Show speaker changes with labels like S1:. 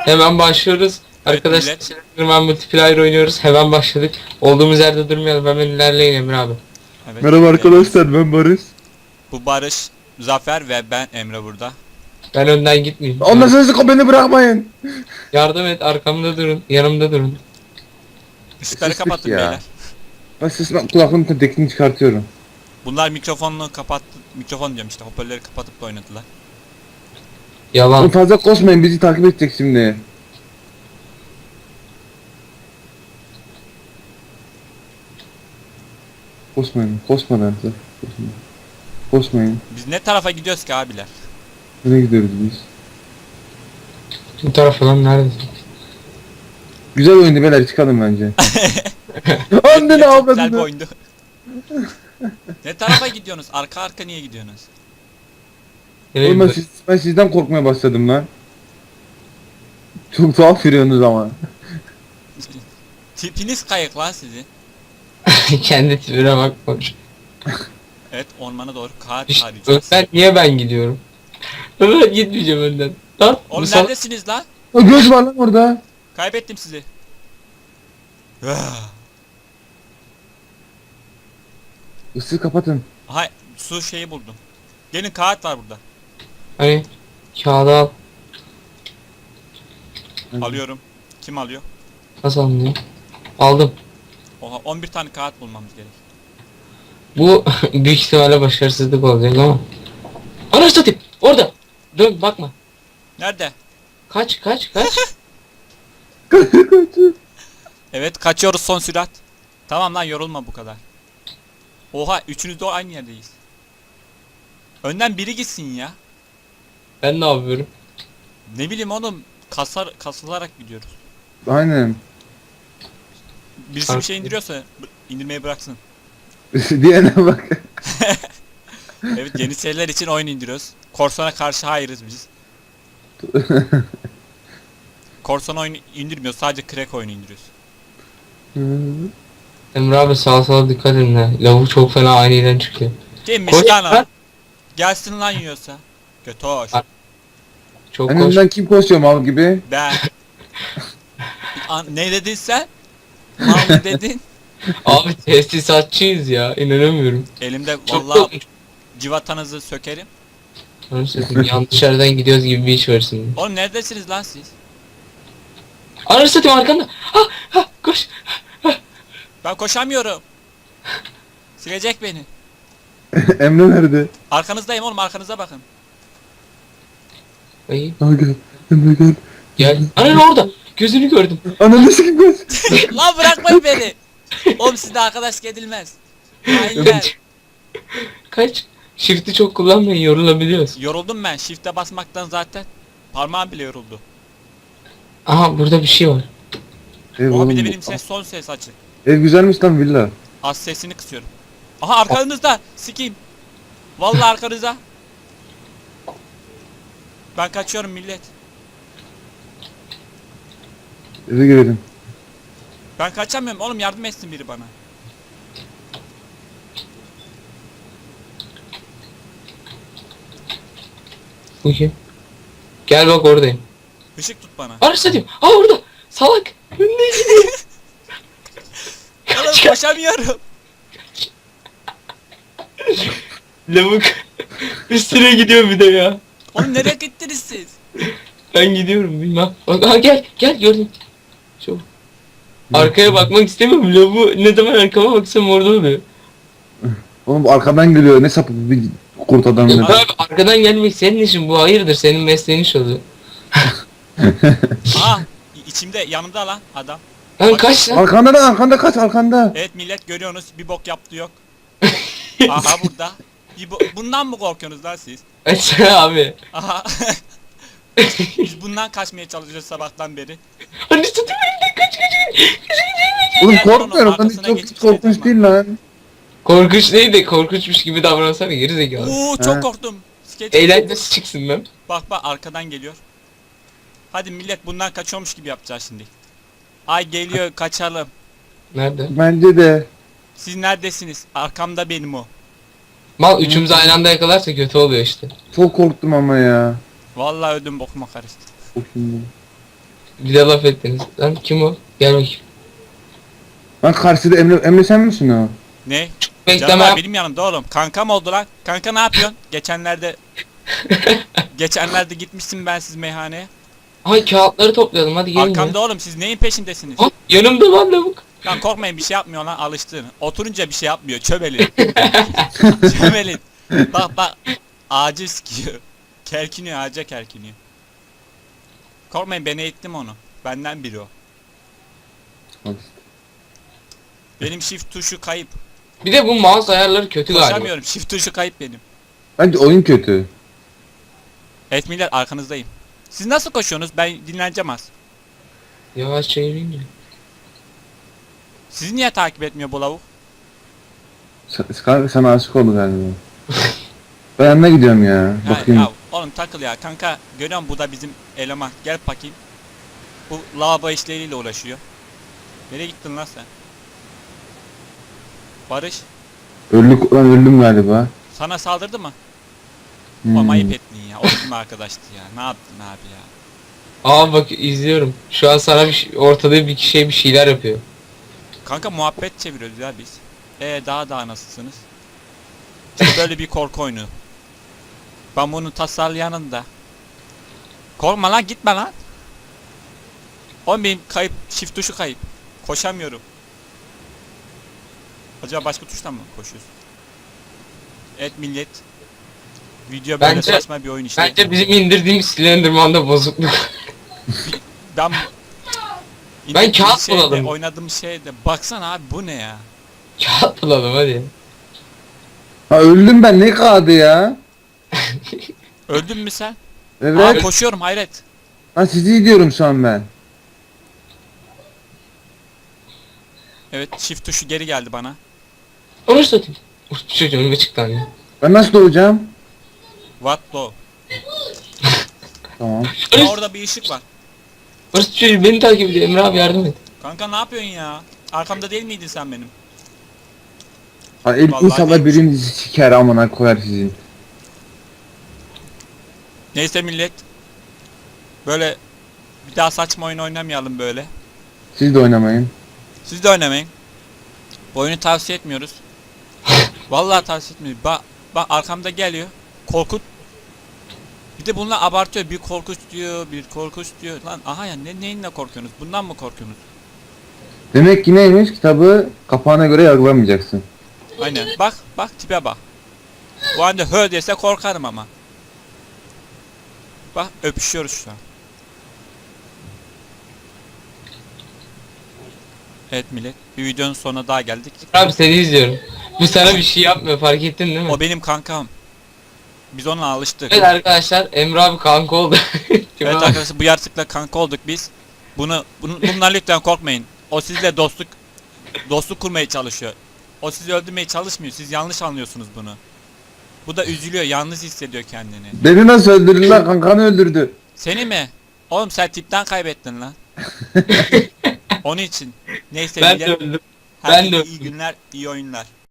S1: Hemen başlıyoruz.
S2: Evet,
S1: Arkadaşlar
S2: millet.
S1: Slenderman Multiplayer oynuyoruz. Hemen başladık. Olduğumuz yerde durmayalım. Hemen ilerleyin Emre abi.
S2: Evet,
S3: Merhaba arkadaşlar, ben Barış.
S2: Bu Barış, Zafer ve ben Emre burada.
S1: Ben önden gitmeyeyim.
S3: Ondan sonra beni bırakmayın.
S1: Yardım et, arkamda durun. Yanımda durun.
S2: Işıkları
S3: Sıslık
S2: kapatın
S3: ya.
S2: beyler.
S3: Ben kulaklığımın tekini çıkartıyorum.
S2: Bunlar mikrofonunu kapattı. Mikrofon diyorum işte, hoparlörleri kapatıp da oynadılar.
S3: Oğlum
S1: Yalan.
S3: fazla koşmayın, bizi takip edecek şimdi. Koşmayın, koşmadan size. Koşmayın. Koşmayın.
S2: Biz ne tarafa gidiyoruz ki abiler?
S3: Nereye gidiyoruz biz?
S1: Bu taraf lan neredesin?
S3: Güzel oyundu beyler, çıkalım bence. Anne ne
S2: Çok güzel bir
S3: yapmadın?
S2: oyundu. Ne tarafa gidiyorsunuz? Arka arka niye gidiyorsunuz?
S1: Nereye
S3: Oğlum ben,
S1: gidiyorsun?
S3: ben sizden korkmaya başladım lan. Çok tuhaf yürüyorsunuz ama.
S2: Tipiniz kayık lan sizin.
S1: Kendi tipine bakmış.
S2: Evet, ormana doğru kağıt
S1: İşte
S2: arayacağız.
S1: önden niye ben gidiyorum? Ben gitmeyeceğim önden. Lan bu
S2: Oğlum
S1: sal-
S2: neredesiniz lan?
S3: O göz var lan orada.
S2: Kaybettim sizi.
S3: Isığı kapatın.
S2: Aha, su şeyi buldum. Gelin, kağıt var burada.
S1: Hani kağıdı al.
S2: Alıyorum. Kim alıyor?
S1: Nasıl alınıyor? Aldım.
S2: Oha, 11 tane kağıt bulmamız gerek.
S1: Bu büyük ihtimalle başarısızlık olacak ama. Anasını satayım. Orada. Dön bakma.
S2: Nerede?
S1: Kaç kaç kaç.
S2: Evet, kaçıyoruz son sürat. Tamam lan, yorulma bu kadar. Oha, üçünüz de aynı yerdeyiz. Önden biri gitsin ya.
S1: Ben ne yapıyorum?
S2: Ne bileyim oğlum, kasılarak gidiyoruz.
S3: Aynen.
S2: Birisi bir şey indiriyorsa indirmeyi bıraksın.
S3: Diyene bak.
S2: Evet, yeni seriler için oyun indiriyoruz. Korsan'a karşı hayırız biz. Korsan oyunu indirmiyoruz, sadece crack oyunu indiriyoruz.
S1: Emre abi sağa sola dikkat edin ha. Lavuk çok fena aniden çıkıyor.
S2: Kimmiş
S1: Koş
S2: lan o?
S1: lan.
S2: Gelsin lan yiyorsa. Götoş.
S1: Ar- Çok
S3: En
S1: koş.
S3: önden kim koşuyor mal gibi?
S2: Ben. Ne dedin sen? Mal mı dedin?
S1: Abi tesisatçıyız ya. İnanamıyorum.
S2: Elimde
S1: Çok
S2: vallahi
S1: korkmuş.
S2: civatanızı sökerim.
S1: Anasını satayım, yanlış yerden gidiyoruz gibi bir iş var şimdi.
S2: Oğlum neredesiniz lan siz?
S1: Anasını satayım arkanda. Ha ha koş.
S2: Ben koşamıyorum. Silecek beni.
S3: Emre nerede?
S2: Arkanızdayım oğlum, arkanıza bakın.
S1: Ay,
S3: Aa gel. Emre gel.
S1: gel. Anan orada. Gözünü gördüm.
S3: Ananı sikim göz.
S2: Lan bırakmayın beni. Oğlum sizde arkadaş edilmez. Hainler.
S1: Kaç. Shift'i çok kullanmayın, yorulabiliyoruz.
S2: Yoruldum ben. Shift'e basmaktan zaten. Parmağım bile yoruldu.
S1: Aha burada bir şey var.
S3: Ev,
S2: Oha, bir de
S3: oğlum,
S2: benim son ses açık.
S3: ev güzelmiş lan villa.
S2: Az sesini kısıyorum. Aha, arkanızda. Sikeyim. Vallahi arkanızda. Ben kaçıyorum millet.
S3: Eve girelim.
S2: Ben kaçamıyorum oğlum, yardım etsin biri bana.
S1: Bu kim? Gel bak oradayım.
S2: Işık tut bana.
S1: Anasını satayım. Aa orada. Salak. Önüne gidiyor.
S2: Oğlum koşamıyorum.
S1: Lavuk. Üstüne gidiyor bir de ya.
S2: Oğlum nereye gittiniz siz?
S1: Ben gidiyorum bilmem. Bak aha gel gel gördüm. Şu. Arkaya bakmak istemiyorum. Lavuğu ne zaman arkama baksam orada oluyor.
S3: Oğlum arkadan geliyor, ne sapık bir kurt adam.
S1: Ya
S3: ya.
S1: abi arkadan gelmek senin işin, bu hayırdır, senin mesleğin iş oluyor.
S2: Aha, içimde, yanımda lan adam.
S1: Lan
S2: Bak-
S1: kaç lan.
S3: Arkanda da, arkanda kaç, arkanda.
S2: Evet millet, görüyorsunuz, bir bok yaptı yok. Aha burada. Bundan mı korkuyorsunuz lan siz?
S1: Açsana abi.
S2: Aha. Biz bundan kaçmaya çalışıyoruz sabahtan beri.
S1: Hani satayım elimden kaç.
S3: Oğlum
S2: Gel
S3: korkmuyorum,
S2: onun
S3: ben
S2: arkasına
S3: çok
S2: geçip
S3: korkunç
S2: şey
S3: değil lan.
S1: Korkunç değil de korkunçmuş gibi davransana geri zekalı.
S2: Oo,
S3: He.
S2: çok korktum. Skeç.
S1: Eğlencesi çıksın lan.
S2: Bak bak, arkadan geliyor. Hadi millet, bundan kaçıyormuş gibi yapacağız şimdi. Ay geliyor, kaçalım.
S1: Nerede?
S3: Bence de.
S2: Siz neredesiniz? Arkamda benim o.
S1: Mal üçümüzü aynı anda yakalarsa kötü oluyor işte.
S3: Çok korktum ama ya.
S2: Vallahi ödüm bokuma karıştı.
S3: Korktum.
S1: Bir de laf ettiniz. Lan kim o? Gel bakayım.
S3: Lan karşıda Emre sen misin o?
S2: Ne?
S1: Bekleme
S2: Canım
S1: yap.
S2: benim yanımda oğlum. Kankam oldu lan. Kanka ne yapıyorsun? Geçenlerde gitmişsin bensiz meyhaneye.
S1: Ay kağıtları toplayalım hadi gelin
S2: Arkamda
S1: ya.
S2: oğlum siz neyin peşindesiniz?
S1: Ha, yanımda lan lavuk.
S2: Lan korkmayın bir şey yapmıyor lan alıştın. Oturunca bir şey yapmıyor çömelin. Çömelin. Bak ağacı sikiyor. Kerkiniyor ağaca kerkiniyor. Korkmayın ben eğittim onu. Benden biri o.
S3: Al işte.
S2: Benim shift tuşu kayıp.
S1: Bir de bu mouse ayarları kötü galiba.
S2: Koşamıyorum shift tuşu kayıp benim.
S3: Bence oyun kötü.
S2: Evet millet arkanızdayım. Siz nasıl koşuyorsunuz? Ben dinleneceğim az.
S1: Yavaşça yürüyün ya.
S2: Sizi niye takip etmiyor bu lavuk?
S3: Kanka sana aşık oldu galiba. Ben yanına gidiyorum ya.
S2: Ya,
S3: Bakayım.
S2: ya oğlum takıl ya kanka. Görüyor musun bu da bizim eleman. Gel bakayım. Bu lavabo işleriyle uğraşıyor. Nereye gittin lan sen? Barış
S3: Öldüm galiba.
S2: sana saldırdı mı?
S3: Hmm.
S2: Ama ayıp ettin ya. O bizim arkadaştı ya. Ne yaptın abi ya?
S1: Aa bak izliyorum. Şu an sana ortada bir kişiye bir şeyler yapıyor.
S2: Kanka muhabbet çeviriyoruz ya biz. Daha nasılsınız? İşte böyle bir korku oyunu. Ben bunu tasarlayanın da. Korkma lan gitme lan. Oğlum benim kayıp shift tuşu kayıp. Koşamıyorum. Acaba başka tuştan mı koşuyorsun? Evet millet. Video böyle
S1: Bence-
S2: saçma bir oyun işte.
S1: Bence bizim indirdiğimiz Slenderman'da bozukluk.
S2: Ben
S1: Ben
S2: İndirdiğim
S1: kağıt
S2: şeyde,
S1: buladım.
S2: oynadığım şeyde baksana abi bu ne ya?
S1: Kağıt bulalım hadi.
S3: Ha öldüm ben ne kaldı ya?
S2: Öldün mü sen?
S3: Evet.
S2: Aa, koşuyorum hayret.
S3: Ha sizi gidiyorum şu an ben.
S2: Evet shift tuşu geri geldi bana.
S1: Orası da değil. Uf çocuğum önüme çıktı anne.
S3: Ben nasıl doğacağım?
S2: What low?
S3: Tamam.
S2: Aa, orada bir ışık var.
S1: Orası çocuğum beni takip ediyor. Emre abi yardım et.
S2: Kanka ne yapıyorsun ya? Arkamda değil miydin sen benim?
S3: Ha,
S2: Vallahi
S3: inşallah
S2: değilmiş.
S3: birinizi siker amına koyar sizin.
S2: Neyse millet. Böyle bir daha saçma oyun oynamayalım böyle.
S3: Siz de oynamayın.
S2: Siz de oynamayın. Bu oyunu tavsiye etmiyoruz. Vallahi tavsiye etmiyoruz. Bak arkamda geliyor. Korkut. Bir de bunlar abartıyor. Bir korkunç diyor, bir korkunç diyor. Lan aha ya neyinle korkuyorsunuz? Bundan mı korkuyorsunuz?
S3: Demek ki neymiş? Kitabı kapağına göre yargılamayacaksın.
S2: Aynen. Bak tipe bak. Bu anda hö dese korkarım ama. Bak öpüşüyoruz şu an. Evet millet. Bir videonun sonuna daha geldik.
S1: Abi seni izliyorum. Bu sana bir şey yapmıyor fark ettin değil mi?
S2: O benim kankam. Biz onunla alıştık.
S1: Evet arkadaşlar Emre abi kanka oldu.
S2: Evet arkadaşlar bu yaratıkla kanka olduk biz. Bundan lütfen korkmayın. O sizle dostluk kurmaya çalışıyor. O sizi öldürmeye çalışmıyor. Siz yanlış anlıyorsunuz bunu. Bu da üzülüyor, yalnız hissediyor kendini.
S3: Beni nasıl öldürdü lan? Kankanı öldürdü.
S2: Seni mi? Oğlum sen tipten kaybettin lan. Onun için. Neyse
S1: Ben
S2: millet,
S1: de öldüm.
S2: herkese
S1: ben de
S2: iyi günler, iyi oyunlar.